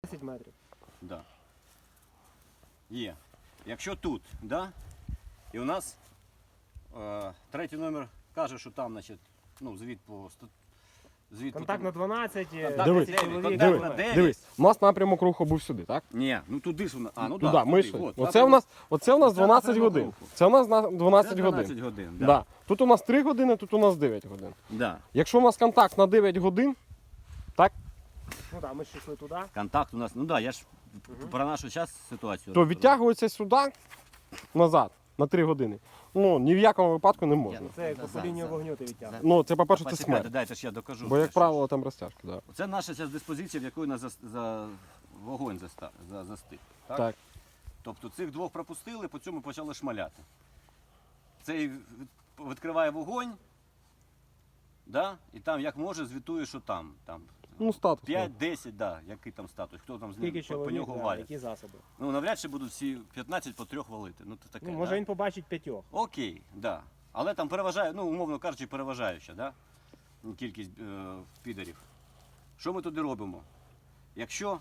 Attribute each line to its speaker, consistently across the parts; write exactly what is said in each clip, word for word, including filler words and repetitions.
Speaker 1: десять метрів.
Speaker 2: Да. Є. Якщо тут, да, і у нас е, третій номер каже, що там, значить, ну, звід по... Звід
Speaker 1: Контакт
Speaker 2: по...
Speaker 1: на дванадцять,
Speaker 2: Контакт
Speaker 3: Дивись,
Speaker 2: на дев'ять,
Speaker 1: чоловік.
Speaker 2: контакт
Speaker 3: Дивись,
Speaker 2: на дев'ять.
Speaker 3: Дивись, у нас напрямок руху був сюди, так?
Speaker 2: Ні, ну туди ж вона. А, ну
Speaker 3: Туди,
Speaker 2: да,
Speaker 3: ми
Speaker 2: туди,
Speaker 3: йшли.
Speaker 2: от.
Speaker 3: Оце у нас, оце у нас
Speaker 2: Це
Speaker 3: дванадцять
Speaker 2: напрямок
Speaker 3: годин.
Speaker 2: руху.
Speaker 3: Це у нас на дванадцять
Speaker 2: Це
Speaker 3: годин.
Speaker 2: дванадцять годин, да.
Speaker 3: Да. Тут у нас три години, тут у нас дев'ять годин.
Speaker 2: Да.
Speaker 3: Якщо у нас контакт на дев'ять годин, так,
Speaker 1: Ну так, ми ж йшли туди.
Speaker 2: Контакт у нас, ну да, я ж про нашу зараз ситуацію.
Speaker 3: то
Speaker 2: розказую.
Speaker 3: відтягується сюди, назад, на три години. Ну, ні в якому випадку не можна.
Speaker 1: Це як
Speaker 2: За-
Speaker 1: по лінію
Speaker 2: за-
Speaker 1: вогню ти відтягнеш.
Speaker 3: Ну, це, по-перше, це
Speaker 2: Почекайте,
Speaker 3: смерть.
Speaker 2: дайте ж я докажу.
Speaker 3: Бо, як
Speaker 2: Це
Speaker 3: правило, там розтяжки, так.
Speaker 2: Це наша ця диспозиція, в якої нас за, за вогонь заста, за, застиг. Так?
Speaker 3: Так.
Speaker 2: Тобто цих двох пропустили, по цьому почали шмаляти. Цей від- відкриває вогонь, да? І там як може звітує, що там. там
Speaker 3: Ну, статус.
Speaker 2: п'ять-десять, да, який там статус, хто там з
Speaker 1: Скільки
Speaker 2: ним по, по
Speaker 1: чоловік,
Speaker 2: нього
Speaker 1: да,
Speaker 2: валять.
Speaker 1: які засоби.
Speaker 2: Ну, навряд чи будуть всі п'ятнадцять по трьох валити. Ну, це таке,
Speaker 1: Ну, може
Speaker 2: да?
Speaker 1: він побачить п'ятьох.
Speaker 2: Окей, да. Але там переважає, ну, умовно кажучи, переважаюча, да? Ну, кількість е, підарів. Що ми туди робимо? Якщо.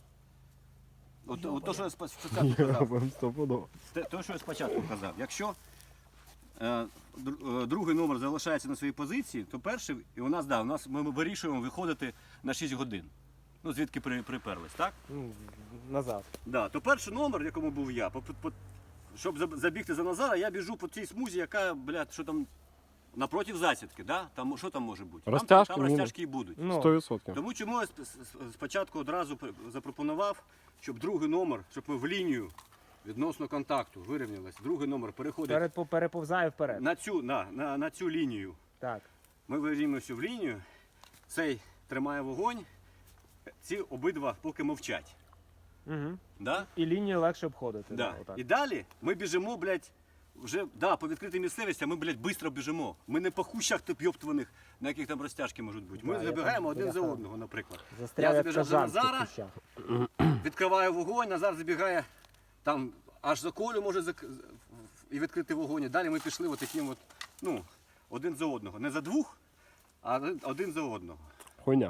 Speaker 2: От, от то, що я спа- спочатку казав,
Speaker 3: Вам стопудово.
Speaker 2: те- то, що я спочатку казав, якщо е, дру- е, другий номер залишається на своїй позиції, то перший, і у нас, да, у нас ми вирішуємо виходити на шість годин. Ну, звідки при, приперлись, так?
Speaker 1: Ну, назад.
Speaker 2: Да, то перший номер, в якому був я, по, по, щоб заб- забігти за Назара, я біжу по цій смузі, яка, блядь, що там напротив засідки, да? Там, що там може бути?
Speaker 3: Розтяжки,
Speaker 2: там, там
Speaker 3: міни.
Speaker 2: розтяжки і будуть.
Speaker 1: Ну,
Speaker 3: сто відсотків.
Speaker 2: Тому чому я сп- с- спочатку одразу пр- запропонував, щоб другий номер, щоб ми в лінію відносно контакту вирівнялись, другий номер переходить
Speaker 1: перед, переповзає вперед.
Speaker 2: на цю, на, на, на цю лінію.
Speaker 1: Так.
Speaker 2: Ми вирівнюємося в лінію, цей тримає вогонь, ці обидва поки мовчать.
Speaker 1: Угу.
Speaker 2: Да?
Speaker 1: І лінію легше обходити.
Speaker 2: Да.
Speaker 1: отак.
Speaker 2: І далі ми біжимо, блядь, вже да, по відкритій місцевості, а ми, блядь, швидко біжимо. Ми не по хущах йоптуваних, на яких там розтяжки можуть бути. Ми
Speaker 1: Да, я
Speaker 2: забігаємо
Speaker 1: там
Speaker 2: один за
Speaker 1: бляха
Speaker 2: одного, наприклад.
Speaker 1: Застряв
Speaker 2: Я
Speaker 1: як
Speaker 2: забіжав за
Speaker 1: кажан в цих
Speaker 2: Назара,
Speaker 1: кущах.
Speaker 2: відкриваю вогонь, Назар забігає там аж за колю може зак... і відкрити вогонь. І далі ми пішли отаким от, ну, один за одного. Не за двох, а один за одного.
Speaker 3: Хуйня.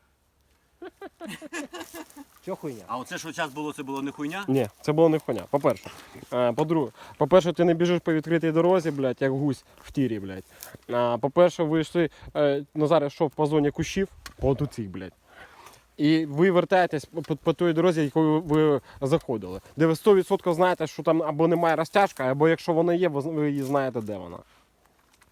Speaker 1: Що хуйня?
Speaker 2: А оце, що зараз було, це було не хуйня?
Speaker 3: Ні, це було не хуйня. По-перше. Е, По-друге, по-перше, ти не біжиш по відкритій дорозі, блядь, як гусь в тірі, блядь. А, по-перше, ви йшли, е, Назар йшов по зоні кущів, от у цих, блядь. І ви вертаєтесь по, по, по той дорозі, якою ви заходили. Де ви сто відсотків знаєте, що там або немає розтяжка, або якщо вона є, ви, ви її знаєте, де вона.